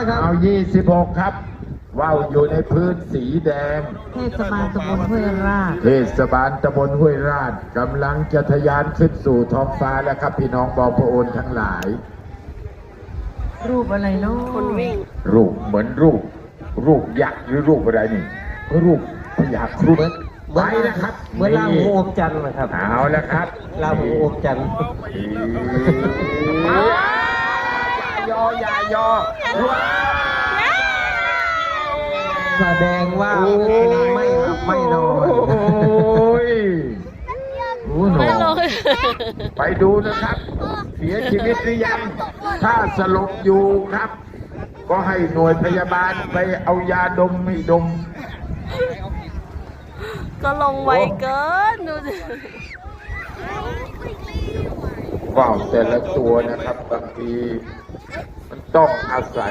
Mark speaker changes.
Speaker 1: นะครับ
Speaker 2: เอา26ครับว่าวอยู่ในพื้นสีแดง
Speaker 3: เทศบาลตำบลห้วยราช
Speaker 2: เทศบาลตำบลห้วยราชกำลังจะทะยานขึ้นสู่ท้องฟ้าแล้วครับพี่น้องบอพระโอนทั้งหลาย
Speaker 3: รูปอะไรเนาะ
Speaker 4: คนวิ่ง
Speaker 2: รูปเหมือนรูปยักษ์หรือรูปอะไรนี่รูปพญาครุฑไปนะครับ
Speaker 1: เหมือนลาหูอมจันทร์นะครับ
Speaker 2: เอาแล้วครับ
Speaker 1: ลาหูอมจันทร์
Speaker 2: อย่ายอ
Speaker 1: แสดงว่าไม่นอน
Speaker 2: โอ้ย
Speaker 4: ไม่ลง
Speaker 2: ไปดูนะครับเสียชีวิตหรือยังถ้าสลบอยู่ครับก็ให้หน่วยพยาบาลไปเอายาดมให้ดม
Speaker 4: ก็ลงไวเกินดูสิ
Speaker 2: ว่าวแต่ละตัวนะครับบางทีมันต้องอาศัย